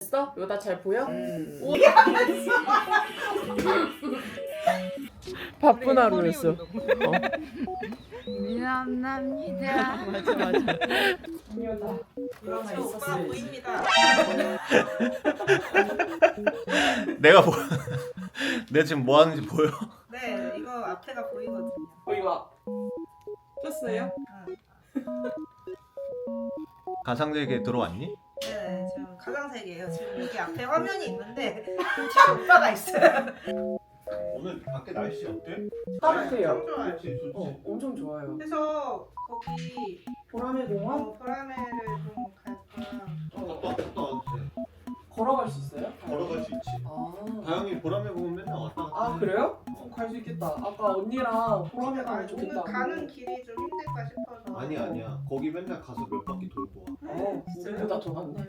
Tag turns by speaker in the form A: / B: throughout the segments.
A: 됐어? 이거 다 잘 보여? 바쁜 하루였어.
B: 미안합니다.
A: 맞아. 중요하다. 일어나
C: 오빠
A: 있었어야지.
C: 보입니다.
D: 내가 뭐 내가 지금 뭐 하는지 보여?
C: 네, 이거 앞에가 보이거든요.
A: 이거 켰어요?
D: 가상세계에 들어왔니?
C: 네, 지금 가장색이에요. 지금 여기 앞에 화면이 있는데 뒤에 오빠가 있어요.
D: 오늘 밖에 날씨 어때?
A: 따뜻해요.
C: 좋아요.
D: 날씨 좋지.
A: 엄청 좋아요.
C: 그래서 거기
A: 보라매 공원
C: 보라매를 좀 갈까.
D: 갔다 왔지.
A: 걸어갈 수 있어요?
D: 걸어갈 수 있지. 다영이 보라매 보면 맨날 왔다 갔다.
A: 아 그래요? 갈 수 있겠다. 아까 언니랑 보라매 가면
C: 오늘
A: 좋겠다.
C: 가는 길이 좀 힘들까 싶어서.
D: 아니야. 거기 맨날 가서 몇 바퀴 돌고 와.
A: 우리보다 더 많네.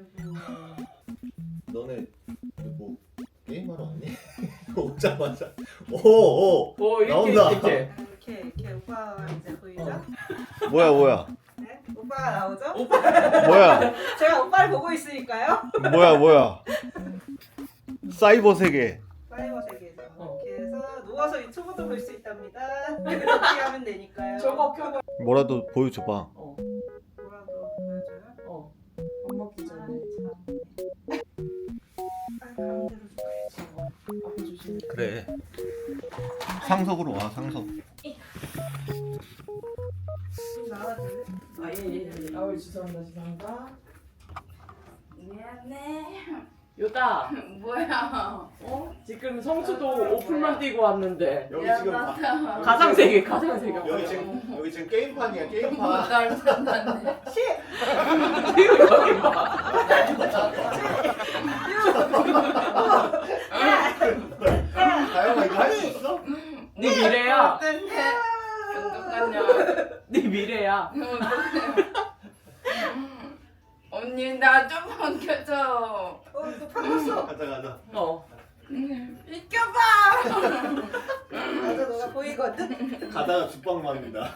D: 너네 뭐 게임하러 왔니? 오자마자 오 나온다.
C: 이렇게 오빠가 이제 보이죠?
D: 뭐야
C: 네, 오빠가 나오죠?
D: 뭐야
C: 제가 오빠를 보고 있으니까요.
D: 뭐야 사이버 세계.
C: 사이버 세계죠.
A: 어.
C: 이렇게 해서 누워서 유튜브도 볼 수 있답니다. 이렇게 하면 되니까요.
A: 저거 켜봐.
D: 뭐라도 보여줘봐.
C: 뭐라도 보여줘요?
A: 안 먹기 전에.
C: 가운데로 줘야지.
A: 앞에 조심해.
D: 그래. 상석으로 와 상석.
C: 좀 나와줄래?
A: 예. 아우 죄송합니다.
B: 미안해.
A: 요다.
B: 뭐야?
A: 지금 성수도 오픈만 뛰고 왔는데.
B: 미안하다.
A: 가상세계.
D: 여기 지금 게임판이야 게임판.
B: 날 만났네.
A: 이거 여기 봐.
D: 다영아 이거 할 수 있어?
A: 네 미래야.
B: 어떡해? 어떡하냐?
A: 네 미래야.
B: 언니 나 좀 옮겨줘.
C: 또 바꿨어.
D: 가자.
B: 비켜봐.
C: 맞아, 너가 보이거든?
D: 가다가 죽방 맙니다.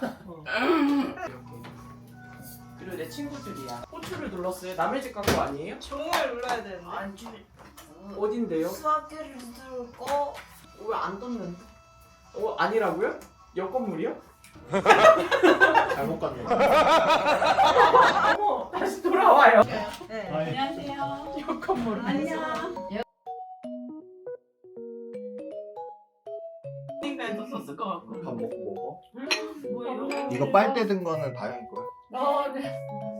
A: 그리고 내 친구들이야. 호출을 눌렀어요. 남의 집 간 거 아니에요?
C: 종을 눌러야 되는데.
B: 안 줄.
A: 어딘데요?
B: 수학기를 들고.
A: 왜 안 떴는데? 아니라고요? 옆 건물이요?
D: 잘못 갔네.
A: 어머 다시 돌아와요.
C: 네.
B: 안녕하세요.
A: 옆 건물.
B: 안녕.
A: 땡땡도 썼을 것 같고.
D: 밥 먹어.
B: 뭐예요?
D: 이거 빨대 든 거는 다영이 거야.
B: 네.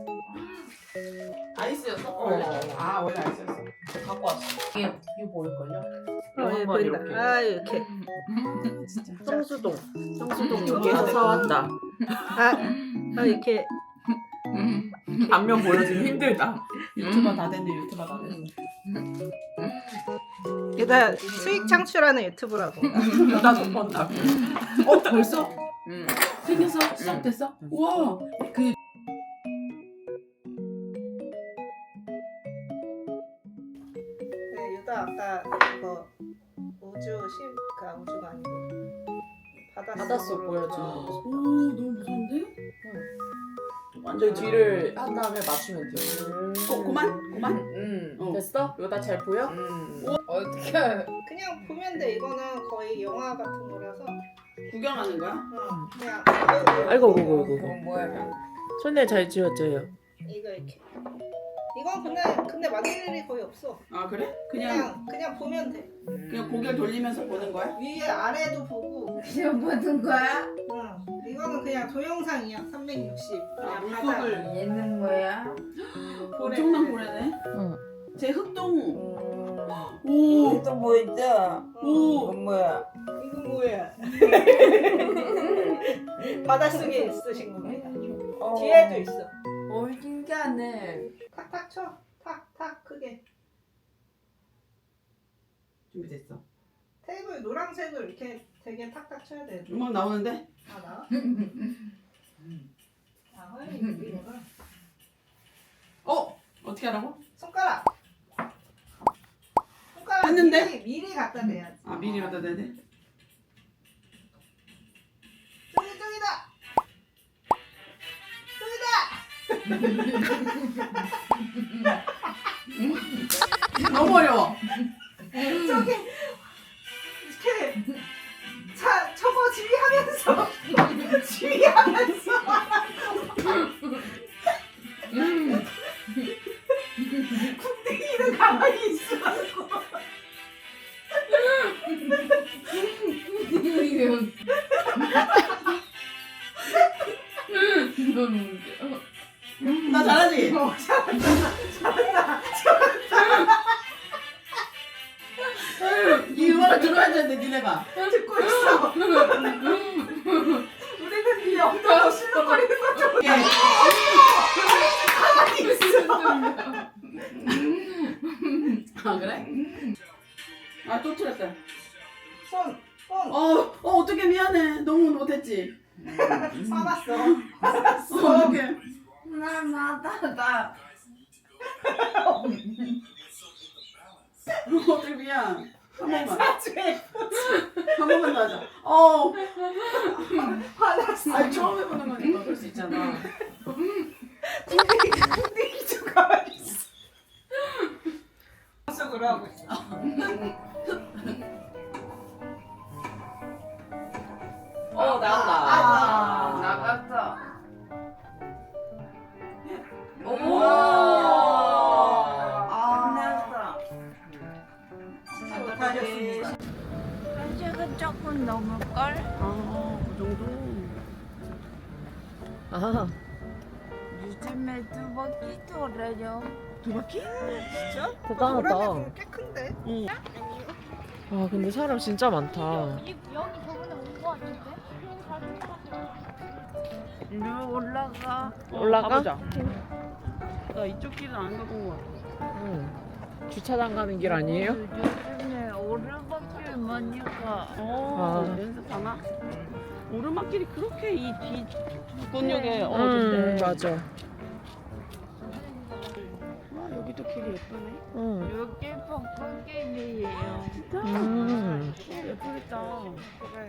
A: 아이스였어? 원래? 원래 아이스였어. 갖고 왔어. 이거 보일걸요?
C: 예,
A: 보인다.
C: 아, 이렇게.
A: 성수동 여기에서 사왔다.
C: 이렇게.
A: 앞면 보여주기 힘들다. 유튜버 다 됐네. 유튜버 다 됐네.
C: 일단 수익 창출하는 유튜브라고.
A: 나 접었다.
E: 벌써? 생겨서 시작됐어? 우와 그
C: 네, 유다 아까 이거 우주가 아니고
A: 바닷속 보여주는 거.
E: 오 너무 무서운데?
A: 완전 뒤를 한 다음에 맞추면 돼.
E: 그만?
A: 됐어? 이거 다 잘 보여?
B: 어떻게?
C: 그냥 보면 돼. 이거는 거의 영화 같은 거라서
E: 구경하는 거야?
C: 그냥
A: 아이고.
B: 뭐야?
A: 손에 잘 지웠져요.
C: 이거 이렇게. 이건 근데 만들 일이 거의 없어.
E: 아 그래? 그냥
C: 보면 돼.
E: 그냥 고개를 돌리면서 보는 거야?
C: 위에 아래도 보고.
B: 그냥 보는 거야?
C: 이거는 그냥 동영상이야. 360.
E: 아,
C: 그냥
E: 물속을
B: 얘는 뭐야?
E: 엄청난 고래네.
A: 응.
E: 제 흑동. 오.
B: 또 뭐 있어?
E: 오.
B: 이건 뭐야?
C: 이거 뭐야? 바닷속에 있으신 겁니다. 뒤에도 있어.
B: 신기하네.
C: 탁탁 쳐. 탁탁 크게.
E: 준비됐어.
C: 테이블 노란색을 이렇게 되게 탁탁 쳐야 돼.
E: 음악 나오는데?
C: 나와? 허연이 이거는
E: 어떻게 하라고?
C: 손가락
E: 했는데?
C: 미리 갖다 대야지.
E: 아 미리 갖다 대야 돼?
C: 저기다.
E: 너무 어려워.
C: 저기 이렇게 자 저거 지휘하면서 지휘하면서 궁뎅이는 가만히 있으라고.
E: 나 잘하지? 이 음악을 들어야 되는데 니네가.
C: 듣고 있어. 우리는 네 엉덩이 실룩거리는 거 좀.
E: 예.
C: 가만히 있어.
E: 아 그래? 아 또 틀렸다.
C: 손
E: 어떡해 미안해. 너무 못했지.
C: 화났어.
E: 어떡해.
B: 날마다
E: 어떡해 미안. 한 번만.
C: 나중에
E: 한 번만 더 하자.
C: 화났어.
E: 아니 처음 해보는 거니까 그럴 수 있잖아.
C: 궁뎅이 좀 가만히 있어. 속으로 하고 있어.
E: 나온다.
B: 나갔어.
E: 오.
B: 끝났어.
C: 진짜 못하겠습니다.
B: 한식은 조금 넘을걸?
E: 그 정도.
F: 아,
B: 요즘에 2바퀴 돌아요.
E: 두 바퀴?
C: 진짜?
F: 대단하다.
C: 꽤 큰데?
E: 응.
F: 아, 근데 사람 진짜 많다.
G: 여기 저번에 온 거 같은데?
B: 일로 올라가.
F: 올라가?
E: 가보자. 나 이쪽 길은 안 가본 것 같아.
F: 응. 주차장 가는 길 아니에요?
B: 요즘에 오르막길 많이 가.
F: 아.
E: 연습하나? 오르막길이 그렇게 이 뒤 근육에 좋대.
F: 맞아.
E: 와 여기도 길이 예쁘네.
F: 응.
B: 여기 벚꽃길이에요.
E: 진짜? 예쁘겠다.
C: 그래.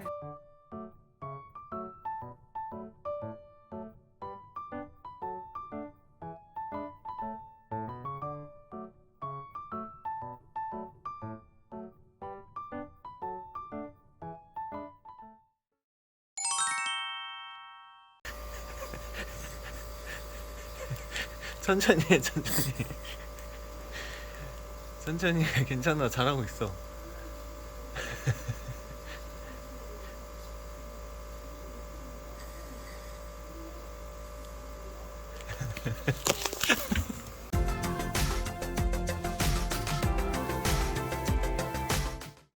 D: 천천히 해, 천천히. 천천히 해. 괜찮아. 잘하고 있어.